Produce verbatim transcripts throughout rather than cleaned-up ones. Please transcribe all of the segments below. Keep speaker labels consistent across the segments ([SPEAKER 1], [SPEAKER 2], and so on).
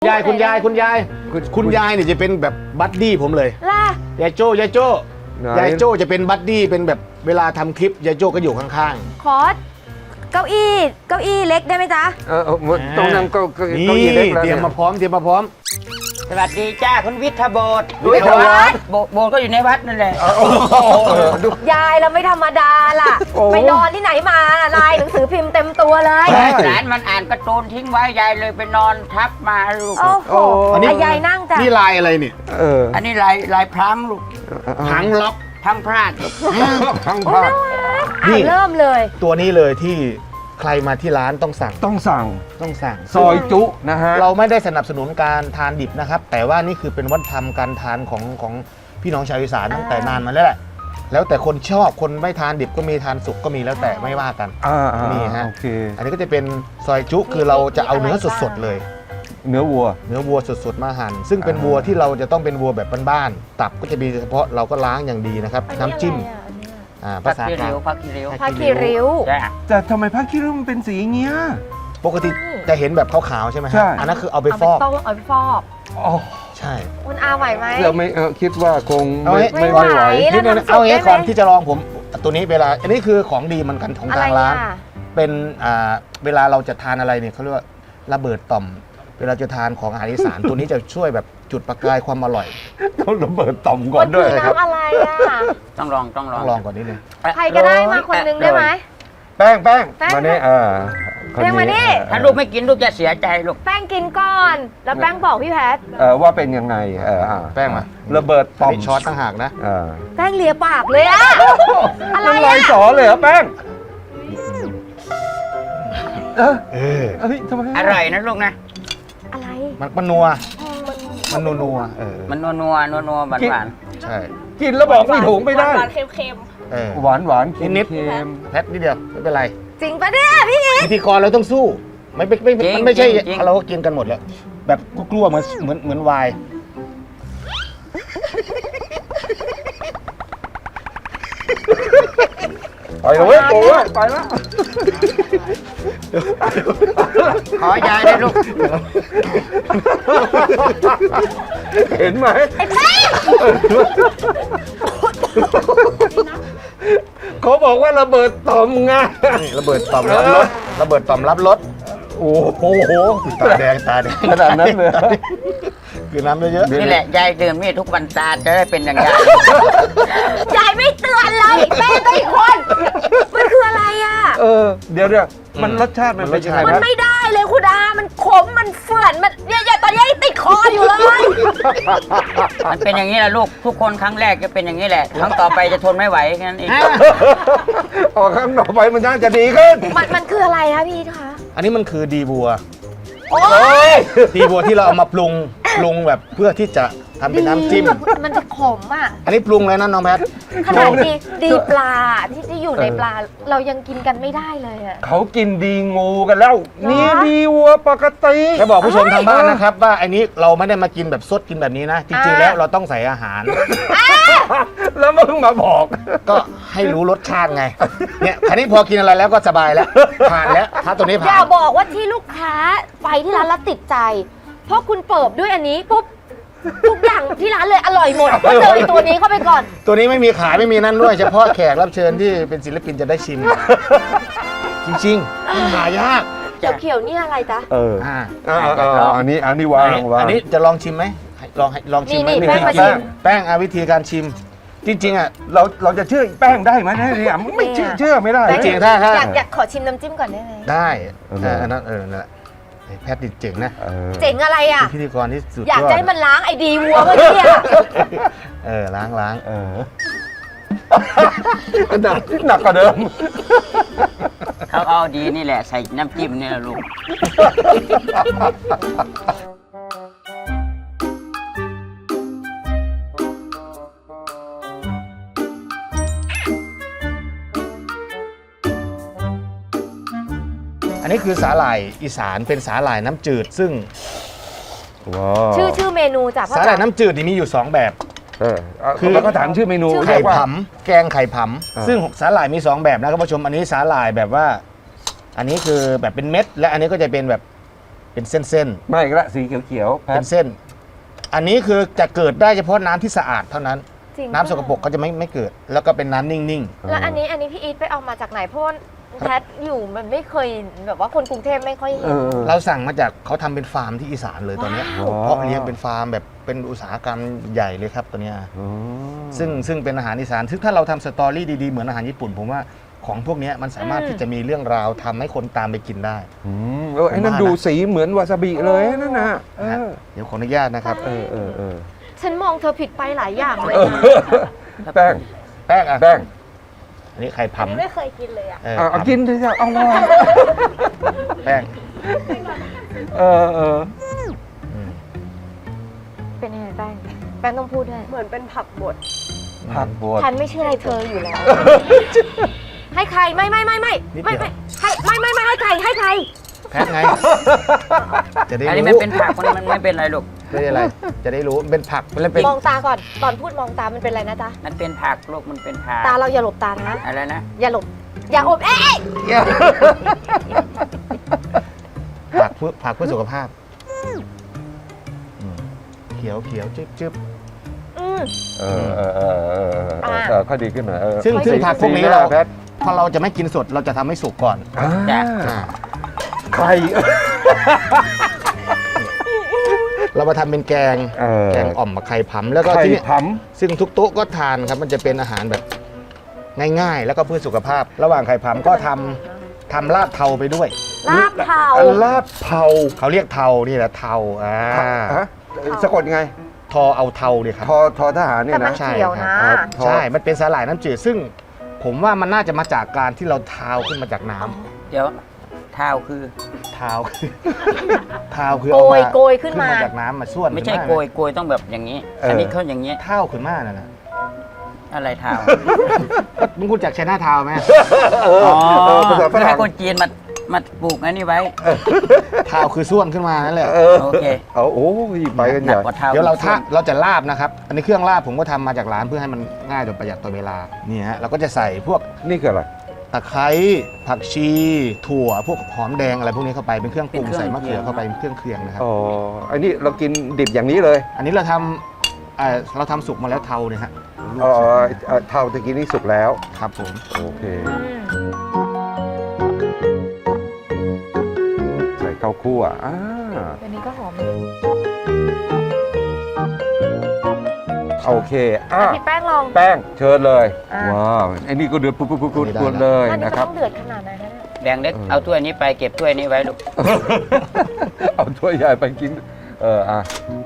[SPEAKER 1] ยายคุณยายคุณยายคุณยายเนี่ยจะเป็นแบบบัดดี้ผมเลย
[SPEAKER 2] ล่ะ
[SPEAKER 1] ยายโจ้ยายโจ้
[SPEAKER 3] ไหน
[SPEAKER 1] ยายโจ้จะเป็นบัดดี้เป็นแบบเวลาทำคลิปยายโจ้ก็อยู่ข้าง
[SPEAKER 2] ขอเก้าอี้เก้าอี้เล็กได้ไหมจ๊ะ
[SPEAKER 3] เออเออตรงนั้นก็ก็
[SPEAKER 1] ๆนี่
[SPEAKER 3] เก้าอี้เล็กแล้ว
[SPEAKER 1] เตรียม
[SPEAKER 3] เนี่ย
[SPEAKER 1] มาพร้อมเตรียมมาพร้อม
[SPEAKER 4] สวัสดีจ้าคุณวิทยาโบสถ์
[SPEAKER 1] วิทยาโบสถ์
[SPEAKER 4] โบสถ์โบสถ์ก็อยู่ในวัดนั่นแหละ
[SPEAKER 2] ยายเราไม่ธรรมดาล่ะ ไปนอนที่ไหนมาล่ะลายหนังสือพิมพ์เต็มตัวเลย
[SPEAKER 4] หลานมันอ่านการ์ตูนทิ้งไว้ยายเลยไปนอนทับมาลูก
[SPEAKER 2] โอ้โห
[SPEAKER 1] อันนี้
[SPEAKER 2] อ่ะยายนั่งจ้ะ
[SPEAKER 1] นี่ลายอะไรเนี่ย
[SPEAKER 3] เออ
[SPEAKER 4] อันนี้ลายลายพลังลูก
[SPEAKER 1] หางล็อก
[SPEAKER 4] พลังพลาดลูก
[SPEAKER 3] ทั้ง
[SPEAKER 2] โอ้
[SPEAKER 3] ภาพ
[SPEAKER 2] น่ารัก
[SPEAKER 1] นี่
[SPEAKER 2] อ่ะเริ่มเลย
[SPEAKER 1] ตัวนี้เลยที่ใครมาที่ร้านต้องสั่ง
[SPEAKER 3] ต้องสั่ง
[SPEAKER 1] ต้องสั่ง
[SPEAKER 3] ซอยจุนะฮะ
[SPEAKER 1] เราไม่ได้สนับสนุนการทานดิบนะครับ แต่ว่านี่คือเป็นวัฒนธรรมการทานของของพี่น้องชาวอีสานตั้งแต่นานมาแล้วแหละแล้วแต่คนชอบคนไม่ทานดิบก็มีทานสุกก็มีแล้วแต่ไม่ว่ากัน
[SPEAKER 3] อ่าอ่า
[SPEAKER 1] นี่ฮะ
[SPEAKER 3] โอเค
[SPEAKER 1] อันนี้ก็จะเป็นซอยจุคือเราจะเอาเนื้อสดๆเลย
[SPEAKER 3] เนื้อวัว
[SPEAKER 1] เนื้อวัวสดๆมาหั่นซึ่งเป็นวัวที่เราจะต้องเป็นวัวแบบบ้านๆตับก็จะมีเฉพาะเราก็ล้างอย่างดีนะครับน้ำจิ้มอ่า
[SPEAKER 4] พั
[SPEAKER 1] ภาก ษา
[SPEAKER 4] คี
[SPEAKER 1] กลาง
[SPEAKER 4] ริ้วพักคีริ้ว
[SPEAKER 2] ผ้าคีริ้ว
[SPEAKER 4] จ้า
[SPEAKER 3] แต่ทำไมผ้าขี้ริ้วมันเป็นสีอย่างเงี้ย
[SPEAKER 1] ปกติจะเห็นแบบขาวๆใช่ไหมฮะ
[SPEAKER 3] ใช่
[SPEAKER 1] อันนั้นคือเอาไป
[SPEAKER 2] เอา
[SPEAKER 1] ฟ
[SPEAKER 2] ไป
[SPEAKER 1] อก
[SPEAKER 2] ต้มเอาไปฟอก
[SPEAKER 3] อ๋อ
[SPEAKER 1] ใช่
[SPEAKER 2] คุณอาไหวไหม
[SPEAKER 3] เราไม่เออคิดว่าคง
[SPEAKER 1] เอา
[SPEAKER 3] ไม่
[SPEAKER 1] ให้
[SPEAKER 3] ไม่
[SPEAKER 2] ไม่
[SPEAKER 3] ไม่
[SPEAKER 2] ไห
[SPEAKER 3] ไห
[SPEAKER 2] ว
[SPEAKER 3] ว
[SPEAKER 1] นิดนึง
[SPEAKER 2] แล้วทำ
[SPEAKER 1] เอางี้
[SPEAKER 2] สุกได้ไหม
[SPEAKER 1] ก่อนที่จะลองผมตัวนี้เวลาอันนี้คือของดีเหมือนกันของ
[SPEAKER 2] อะไร
[SPEAKER 1] ทางร้าน
[SPEAKER 2] อ่ะ
[SPEAKER 1] เป็นอ่าเวลาเราจะทานอะไรเนี่ยเขาเรียกว่าระเบิดต่อม เวลาจะทานของอาหารอีสาน ตัวนี้จะช่วยแบบจุดประกายความอร่อย
[SPEAKER 3] ต้องระเบิดต่อมก่
[SPEAKER 2] มั
[SPEAKER 3] อน
[SPEAKER 2] น
[SPEAKER 3] ด้
[SPEAKER 2] คื
[SPEAKER 3] วย
[SPEAKER 2] อน้ำอะไรอ่ะ
[SPEAKER 4] ต้องลองต้องล
[SPEAKER 1] ต้
[SPEAKER 4] อ
[SPEAKER 1] อง งลองก่อนนิดนึง
[SPEAKER 2] ใครก็ได้มาคนนึงได้ไหม
[SPEAKER 3] แป้งแป้ง
[SPEAKER 2] แป้ง
[SPEAKER 3] มาเนี่ยอ่าคน
[SPEAKER 2] แป้งมานี่
[SPEAKER 3] เออ
[SPEAKER 4] ถ้าลูกไม่กินลูกจะเสียใจลูก
[SPEAKER 2] แป้งกินก่อน แล้วแป้งบอกพี่แพท
[SPEAKER 3] เออว่าเป็นยังไงเอออ่า
[SPEAKER 1] แป้งมา
[SPEAKER 3] ระเบิด
[SPEAKER 1] ต่
[SPEAKER 3] ต่
[SPEAKER 1] อ
[SPEAKER 3] อ
[SPEAKER 1] ม
[SPEAKER 3] ม
[SPEAKER 1] ช้อนต่างหากนะ
[SPEAKER 3] เออ
[SPEAKER 2] แป้งเลียปากเลยอะอะไร
[SPEAKER 3] น้ำลาย
[SPEAKER 2] อะ
[SPEAKER 3] สอเลยเหรอแป้งเออ
[SPEAKER 1] เออ
[SPEAKER 3] เฮ้ยทำไม
[SPEAKER 4] อร่อยนะลูกนะ
[SPEAKER 2] อะไร
[SPEAKER 1] มันมันนัว
[SPEAKER 2] มัน
[SPEAKER 1] มันนัวนัวเออ
[SPEAKER 4] มันนัวนัวนัวนัวหวานหวาน
[SPEAKER 1] ใช่
[SPEAKER 3] กินแล้วบอกไม่ถูกไม่ได้
[SPEAKER 5] หวานๆเค็ม
[SPEAKER 1] เออ
[SPEAKER 3] หวานหวานเค็ม
[SPEAKER 1] นิดๆ
[SPEAKER 3] เค็ม
[SPEAKER 1] แพทนิดเดียวไม่เป็นไร
[SPEAKER 2] จริงปะเนี่ยพี่อีท
[SPEAKER 1] พิธีกรเราต้องสู้ไม่ไม่ไม่มันไม่ใช่เราก็กินกันหมดแล้ว แบบกลัวๆเหมือนเหมือนเหมือนวาย
[SPEAKER 3] ไปเลยเว้ยโอ้ยไปแล้ว
[SPEAKER 4] ขอยายได้ลูก
[SPEAKER 3] เห็นไหม
[SPEAKER 2] ไอ้แป้ง
[SPEAKER 3] เขาบอกว่าระเบิดต่อมไง
[SPEAKER 1] นี่ระเบิดต่อมรับรสระเบิดต่อมรับรส
[SPEAKER 3] โอ้โห
[SPEAKER 1] ตาแดงตาแดง
[SPEAKER 3] ขนาดนั้นเลย
[SPEAKER 1] คือน้ำเยอะ
[SPEAKER 4] นี่แหละยายดื่มนี่ทุกวันตาจะได้เป็นอย่างยาย
[SPEAKER 2] ยายไม่เตือนเลยแป้งก็อีกคน มันคืออะไรอ่ะ
[SPEAKER 3] เออ เดี๋ยวเดี๋ยวมันรสชาติมันเป็นยังไง
[SPEAKER 2] มัน
[SPEAKER 3] นะ
[SPEAKER 2] ไม่ได้เลยคุณอามันขม มันเฝื่อน มันเนี่ยตอนนี้ยังติดคออยู่เลย
[SPEAKER 4] มันเป็นอย่างนี้แหละลูกทุกคนครั้งแรกจะเป็นอย่างนี้แหละครั้งต่อไปจะทนไม่ไหวแค่นั้นเอง
[SPEAKER 3] ออกข้างต่อไปมันน่าจะดีขึ้น
[SPEAKER 2] มันมันคืออะไรคะพี่อีทคะ
[SPEAKER 1] ๆ อันนี้มันคือดีบัว
[SPEAKER 2] โอ้
[SPEAKER 3] เฮ้
[SPEAKER 2] ย
[SPEAKER 3] ย
[SPEAKER 1] ดีบัวที่เราเอามาปรุงปรุงแบบเพื่อที่จะทำเป็นน้ำจิ้ม
[SPEAKER 2] มันจะขมอ่ะ
[SPEAKER 1] อันนี้ปรุงแล้วนะน้องแพท
[SPEAKER 2] ขนาดดีดีปลาที่ที่อยู่ในปลา เรายังกินกันไม่ได้เลยอ่ะ
[SPEAKER 3] เขากินดีงูกันแล้ว นี่ดีวัวปกติ
[SPEAKER 1] จะบอกผู้ชมทางบ้านนะครับว่าอันนี้เราไม่ได้มากินแบบสดกินแบบนี้นะ จริงๆแล้วเราต้องใส่อาหาร
[SPEAKER 3] แล้วมึงมาบอก
[SPEAKER 1] ก็ให้รู้รสชาติไง เนี่ยคันนี้พอกินอะไรแล้วก็สบายแล้ว ผ่านแล้ว ถ้าตัวนี้
[SPEAKER 2] อ
[SPEAKER 1] ผ่า
[SPEAKER 2] ย่าน บอกว่าที่ลูกค้าไปที่ร้านแล้วติดใจ เพราะคุณเปิบด้วยอันนี้ปุ๊บทุกอย่างที่ร้านเลยอร่อยหมดก็เจอไอ้ตัวนี้เข้าไปก่อน
[SPEAKER 1] ตัวนี้ไม่มีขายไม่มีนั่นด้วย เฉพาะแขกรับเชิญที่เป็นศิลปินจะได้ชิม จริงๆหายาก
[SPEAKER 2] เขียวๆนี่อะไรจ๊ะ
[SPEAKER 3] เออ
[SPEAKER 1] อ่า
[SPEAKER 3] อ่าอ่าอ่าอันนี้อันนี้วางวาง
[SPEAKER 1] อันนี้จะลองชิมไหมลองให้ลองชิมไหม
[SPEAKER 2] นี่นี่
[SPEAKER 1] วิธี
[SPEAKER 2] แป้งมาชิ
[SPEAKER 1] แป้ง
[SPEAKER 2] ม
[SPEAKER 1] แป้งอาวิธีการชิม จริง ๆอ่ะ
[SPEAKER 3] เราเราจะเชื่อแป้งได้ไหมเนี่ยไม่เชื่อเชื่อไม่ได้
[SPEAKER 1] จริงๆถ้าถ้า
[SPEAKER 2] อยากอยากขอชิมน้ำจิ้มก่อนได้ไหม
[SPEAKER 1] ได้
[SPEAKER 3] เออ
[SPEAKER 1] เอออันนั้นเออนั่นแหละแพทย์ดิเจ๋งนะ
[SPEAKER 3] เออ
[SPEAKER 2] เจ๋งอะไรอ่ะ
[SPEAKER 1] เป็นพิธีกรที่สุด
[SPEAKER 2] อยาก
[SPEAKER 1] ยอด
[SPEAKER 2] จะให้มันล้างไอ้ดีวัวเมื่อกี้อะ
[SPEAKER 1] เออล้างล้าง
[SPEAKER 3] เออหนักหนักกว่าเดิม
[SPEAKER 4] เขาเอาดีนี่แหละใส่น้ำจิ้มนี่แหละลูก
[SPEAKER 1] อันนี้คือสาหร่ายอีสานเป็นสาหร่ายน้ำจืด ซึ่ง
[SPEAKER 3] ว้าว
[SPEAKER 2] ชื่อชื่อเมนูจ้ะพ่อ
[SPEAKER 1] สาหร่าย
[SPEAKER 2] จ๋า
[SPEAKER 1] น้ำจืดนี่มีอยู่สองแบบ
[SPEAKER 3] เออ
[SPEAKER 1] คือ
[SPEAKER 3] แล้วก็ถามชื่อเมนู
[SPEAKER 2] ชื่อ
[SPEAKER 1] ไข่
[SPEAKER 3] เรียกว่า
[SPEAKER 1] ผำแกงไข่ผ
[SPEAKER 3] อ่า
[SPEAKER 1] ำซึ่งสาหร่ายมีสองแบบนะครับผู้ชมอันนี้สาหร่ายแบบว่า อันนี้คือแบบเป็นเม็ด และอันนี้ก็จะเป็นแบบเป็นเส้น
[SPEAKER 3] ไม่อีกละสีเขียวๆ
[SPEAKER 1] ๆ
[SPEAKER 3] แพ
[SPEAKER 1] เป็
[SPEAKER 3] ท
[SPEAKER 1] นเส้น อันนี้คือจะเกิดได้เฉพาะน้ำที่สะอาดเท่านั้น
[SPEAKER 2] จริง
[SPEAKER 1] น้ำสกปรกก็จะไม่ไม่เกิด แล้วก็เป็นน้ำนิ่ง
[SPEAKER 2] แล้วอันนี้อันนี้พี่อีทไปเอามาจากไหนเพราะว่าแพทอยู่มันไม่เคยแบบว่าคนกรุงเทพไม่ค่อย
[SPEAKER 3] เอ
[SPEAKER 2] เห็น
[SPEAKER 3] อ
[SPEAKER 1] ๆ เราสั่งมาจากเขาทำเป็นฟาร์มที่อีสานเลยตอนเนี้ย
[SPEAKER 2] ว้าว
[SPEAKER 1] เพาะเลี้ยงเป็นฟาร์มแบบเป็นอุตสาหกรรมใหญ่เลยครับตัวเนี้ย
[SPEAKER 3] อ๋อ
[SPEAKER 1] ซึ่งซึ่งเป็นอาหารอีสานซึ่งถ้าเราทำสตอรี่ดีๆเหมือนอาหารญี่ปุ่น ผมว่าของพวกเนี้ยมันสามารถที่จะมีเรื่องราวทำให้คนตามไปกินได้
[SPEAKER 3] อืมเออไอ้นั่นดูสีเหมือนวาซาบิเลยนั่นนะเอ
[SPEAKER 1] นะฮะ
[SPEAKER 3] อ
[SPEAKER 1] เดี๋ยวขออนุญาตนะครับ
[SPEAKER 3] เออเออเออ
[SPEAKER 2] ฉันมองเธอผิดไปหลายอย่างเลย
[SPEAKER 3] เออ
[SPEAKER 2] นะ
[SPEAKER 3] แป้ง
[SPEAKER 1] แป้งอ่ะ
[SPEAKER 3] แป้ง
[SPEAKER 1] อันนี้ไข่
[SPEAKER 2] อัน
[SPEAKER 1] ผำ
[SPEAKER 2] นี้ไม่เคยกินเลยอ่ะ
[SPEAKER 1] เออ
[SPEAKER 3] เอาเอา
[SPEAKER 1] ผำ
[SPEAKER 3] กินเถอะเอาลอง
[SPEAKER 1] แป้ง
[SPEAKER 3] เออเออ
[SPEAKER 1] อืม
[SPEAKER 2] เป็นยังไงแป้งแป้งต้องพูดด้วย
[SPEAKER 5] เหมือนเป็นผักบด
[SPEAKER 3] ผักบด
[SPEAKER 2] ฉันไม่เชื่ออะไรเธออยู่แล้ว ให้ใครไม่ไม่ไม่ไม่ไม่ไม่ให้ไม่ไม่ไม่ให้ใครให้ใคร
[SPEAKER 1] แพทไง จะได้
[SPEAKER 4] อันนี้
[SPEAKER 1] รู้
[SPEAKER 4] มันเป็นผักมันมันไม่เป็นไรลูก
[SPEAKER 1] ไม่ได้อะไร จะได้รู้เป็นผักมันเป็น
[SPEAKER 2] มองตาก่อนตอนพูดมองตามันเป็นอะไรนะจ๊ะ
[SPEAKER 4] มันเป็นผักลูกมันเป็นผัก
[SPEAKER 2] ตาเราอย่าหลบตานะ
[SPEAKER 4] อะไรนะ
[SPEAKER 2] อย่าหลบ อย่าอบเอ๊ะ
[SPEAKER 1] ผักเพื่อผักเพื่อสุขภาพอืมเขียวเขียวจึ๊บจึ๊บ
[SPEAKER 2] อืม
[SPEAKER 3] เออเออเออเออเออเออค่อยดีขึ้นหน่อยเออ
[SPEAKER 1] ซึ่งซึ่ง
[SPEAKER 3] สี
[SPEAKER 1] ผักพวกนี้
[SPEAKER 3] สีห
[SPEAKER 1] เรา
[SPEAKER 3] แพท
[SPEAKER 1] พอเราจะไม่กินสดเราจะทำให้สุกก่อน
[SPEAKER 3] อ่า
[SPEAKER 4] จ้ะ
[SPEAKER 1] อ่า
[SPEAKER 3] ไข่
[SPEAKER 1] เรามาทำเป็นแกง
[SPEAKER 3] เออ
[SPEAKER 1] แกงอ่อมกับไข่ผำแล้วก็
[SPEAKER 3] ไข่
[SPEAKER 1] ที่นี่
[SPEAKER 3] ผ
[SPEAKER 1] ซึ่งทุกโต๊ะก็ทานครับมันจะเป็นอาหารแบบง่ายๆ แล้วก็เพื่อสุขภาพ ระหว่างไข่ผำก็ทำทำลาบเทาไปด้วย
[SPEAKER 2] ลาบเทา
[SPEAKER 3] ำลาบเผา
[SPEAKER 1] เขาเรียกเทานี่แหละเทาอ่า
[SPEAKER 3] ฮะสะกดไง
[SPEAKER 1] ทอเอาเทาเนี่ยครับ
[SPEAKER 3] ทอทอทหารเนี่
[SPEAKER 2] แต่
[SPEAKER 3] ย
[SPEAKER 2] มัน
[SPEAKER 3] นะ
[SPEAKER 1] ใช่
[SPEAKER 2] เขียวนะ
[SPEAKER 3] ครับ ทอ
[SPEAKER 1] ใช่ มันเป็นสาหร่ายน้ำจืดซึ่ง ผมว่ามันน่าจะมาจากการที่เราเทาขึ้นมาจากน้ำ
[SPEAKER 4] เดี๋ยวเท้าคือ
[SPEAKER 1] เทาคือเทาคือ
[SPEAKER 2] โก
[SPEAKER 1] เอา
[SPEAKER 2] ย
[SPEAKER 1] มา
[SPEAKER 2] โกยขึ้นมา
[SPEAKER 1] จากน้ำมาส่วน
[SPEAKER 4] ไม่ใช่
[SPEAKER 1] ขึ้น
[SPEAKER 4] โกยโกยต้องแบบอย่างนี้ อันนี้เขาอย่างนี้
[SPEAKER 1] เท่าขึ้นมาน่ะนะ
[SPEAKER 4] อะไรเท้า
[SPEAKER 1] มึงคุณจากไชน่าเทาไหม
[SPEAKER 3] เออ
[SPEAKER 4] อ๋อ
[SPEAKER 3] เออภาษาฝ
[SPEAKER 4] เพื่อ
[SPEAKER 3] รั่
[SPEAKER 4] ให้
[SPEAKER 3] ง
[SPEAKER 4] คนจีนมามาปลูกอันนี้ไว้
[SPEAKER 1] เทาคือส่วนขึ้นมานั่นแหละ
[SPEAKER 3] เออ
[SPEAKER 4] โอเค
[SPEAKER 3] เอาโอ้ยไปกัน
[SPEAKER 4] ห
[SPEAKER 3] ให
[SPEAKER 4] นัก
[SPEAKER 3] ญ่
[SPEAKER 4] กว่าเท้า
[SPEAKER 1] เดี๋ยวเราท่าเราจะลาบนะครับ อันนี้เครื่องลาบผมก็ทำมาจากร้านเพื่อให้มันง่ายโดยประหยัดต่อเวลา นี่ฮะเราก็จะใส่พวก
[SPEAKER 3] นี่คืออะไร
[SPEAKER 1] ตะไคร้ผักชี ถั่ว พวกหอมแดงอะไรพวกนี้เข้าไปเป็นเครื่องปรุงใส่มะเขือเข้าไปเป็นเครื่องเคียงนะครับ
[SPEAKER 3] อ๋ออันนี้เรากินดิบอย่างนี้เลย
[SPEAKER 1] อันนี้เราทำเอ่อเราทำสุกมาแล้วเทาเนี่ยฮะลว
[SPEAKER 3] อ๋
[SPEAKER 1] ก
[SPEAKER 3] อ
[SPEAKER 1] เสร็จ
[SPEAKER 3] เอ่อเท่าตะกี้นี่สุกแล้ว
[SPEAKER 1] ครับผม
[SPEAKER 3] โอเค
[SPEAKER 2] อืม
[SPEAKER 3] ใส่ข้าวคั่วอ่า
[SPEAKER 2] อันนี้ก็หอม
[SPEAKER 3] โอเคอ่ะ
[SPEAKER 2] พี่แป้งลอง
[SPEAKER 3] แป้งเชิญเลย
[SPEAKER 2] อ่า
[SPEAKER 3] ว้าวไอ้นี่ก็เดือดปุ๊บปุ๊บปุ๊บปุ๊บ
[SPEAKER 1] ไม่ได้
[SPEAKER 3] ปุ๊บเลย
[SPEAKER 2] อันนี้
[SPEAKER 3] นะ
[SPEAKER 2] ก็
[SPEAKER 3] ครับ
[SPEAKER 2] ต้องเดือดขนาดไหนนะเนี่ย
[SPEAKER 4] แดงเล็ก
[SPEAKER 3] เออ
[SPEAKER 4] เอาถ้วยนี้ไปเก็บถ้วยนี้ไว้ลูก
[SPEAKER 3] เอาถ้วยใหญ่ไปกิน เอออ่ะ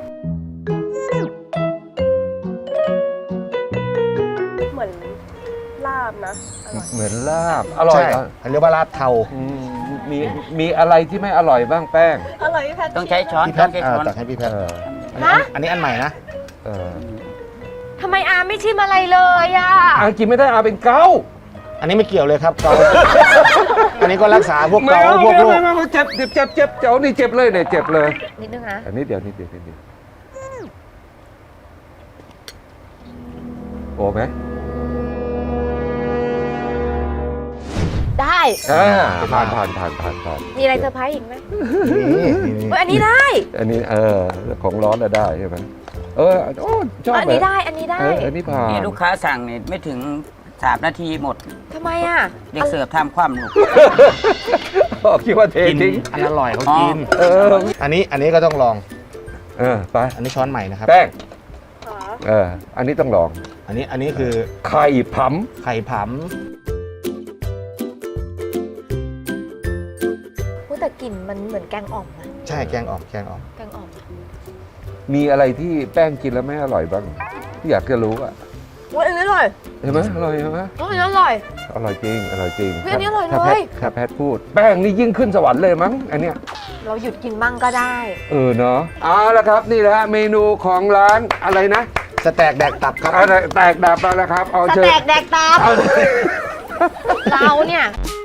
[SPEAKER 5] เหมือนลาบนะอร่อย
[SPEAKER 3] เหมือนลาบ อร่อย
[SPEAKER 1] ใช่
[SPEAKER 3] เหรอ
[SPEAKER 1] เขาเรียกว่าลาบเทา
[SPEAKER 3] อืมมีมีอะไรที่ไม่อร่อยบ้างแป้ง
[SPEAKER 5] อร่อยพี่แพท
[SPEAKER 4] ต้องใช้ช้อน
[SPEAKER 1] พี่แพ
[SPEAKER 4] ต้อ
[SPEAKER 1] ท
[SPEAKER 4] งใช้
[SPEAKER 1] อ่า
[SPEAKER 4] ช้อน
[SPEAKER 1] ตักให้พี่แพท
[SPEAKER 3] เออ
[SPEAKER 1] อันนี้อันนี้อันใหม่นะ
[SPEAKER 3] เออ
[SPEAKER 2] ทำไมอาไม่ชิมอะไรเลยอ่ะ
[SPEAKER 3] อากินไม่ได้อาเป็นเกา
[SPEAKER 1] อันนี้ไม่เกี่ยวเลยครับเกา อันนี้ก็รักษาพวก
[SPEAKER 3] ไม่
[SPEAKER 1] เกา
[SPEAKER 3] เอา
[SPEAKER 1] พวก
[SPEAKER 3] ไม่
[SPEAKER 1] โร
[SPEAKER 3] เอา
[SPEAKER 1] ค
[SPEAKER 3] ไม่เอาเจ็บเจ็บเจ็บเจ็บเจ้านี่เจ็บเลยเนี่ยเจ็บเลย
[SPEAKER 2] นิดนึงนะ
[SPEAKER 3] อันนี้เดี๋ยวนิดเดียวนิดเดียวโอ้ไหม
[SPEAKER 2] ได้
[SPEAKER 3] อ่าผ่านผ่านผ่านผ่านผ่าน
[SPEAKER 2] มีอะไรเซอร์ไพรส์อีกไหม
[SPEAKER 1] นี่นี่นี่
[SPEAKER 2] เฮ้ยอันนี้ได้
[SPEAKER 3] อันนี้เออของร้อนอะได้ใช่ไหมเออโอ้ชอบ
[SPEAKER 2] อัน
[SPEAKER 3] เล
[SPEAKER 2] นี้
[SPEAKER 3] ย
[SPEAKER 2] ได้ อันนี้ได้
[SPEAKER 3] เอออันนี้ผ่าน
[SPEAKER 4] นี่ลูกค้าสั่งนี่ไม่ถึงสามนาทีหมด
[SPEAKER 2] ทำไมอ่ะ
[SPEAKER 4] เด็กเสิร์ฟทำคว่ำลูก
[SPEAKER 3] อ๋อคิดว่าเท
[SPEAKER 1] กิน
[SPEAKER 3] ทิ้ง
[SPEAKER 1] อันอร่อยเขากิน
[SPEAKER 3] เออ
[SPEAKER 1] อันนี้อันนี้ก็ต้องลอง
[SPEAKER 3] เออไป
[SPEAKER 1] อันนี้ช้อนใหม่นะครับ
[SPEAKER 3] แป้ง
[SPEAKER 5] อ๋อ
[SPEAKER 3] เอออันนี้ต้องลอง
[SPEAKER 1] อันนี้อันนี้คือ
[SPEAKER 3] ไข่ผํ
[SPEAKER 1] ไข่ผำ
[SPEAKER 2] พูดแต่กลิ่นมันเหมือนแกงอ่อมนะ
[SPEAKER 1] ใช่แกงอ่อมแกงอ่อม
[SPEAKER 2] แกงอ่อม
[SPEAKER 3] มีอะไรที่แป้งกินแล้วไม่อร่อยบ้างที่อยากจะรู้อะ
[SPEAKER 2] อุ๊ยอันนี้อร่อย
[SPEAKER 3] เห็นไหมอร่อยใช่ไหม
[SPEAKER 2] อุ๊ยอันนี้อร่อย
[SPEAKER 3] อร่อยจริงอร่อยจริง
[SPEAKER 2] เฮ้ยอันนี้อร่อย
[SPEAKER 3] ถ้า
[SPEAKER 2] เลย
[SPEAKER 3] แพทถ้าแพทพูด แป้งนี่ยิ่งขึ้นสวรรค์เลยมั้งอันเนี้ย
[SPEAKER 2] เราหยุดกินบ้างก็ได้
[SPEAKER 3] เออเนาะเอาละครับนี่แหละเมนูของร้านอะไรนะ
[SPEAKER 1] สแต็กแดกตับครับ
[SPEAKER 3] อะไรแตกดับแล้วนะครับเอา
[SPEAKER 2] ส
[SPEAKER 3] เชิญ
[SPEAKER 2] แต็กแดกตาม
[SPEAKER 3] เอา
[SPEAKER 2] เราเนี่ย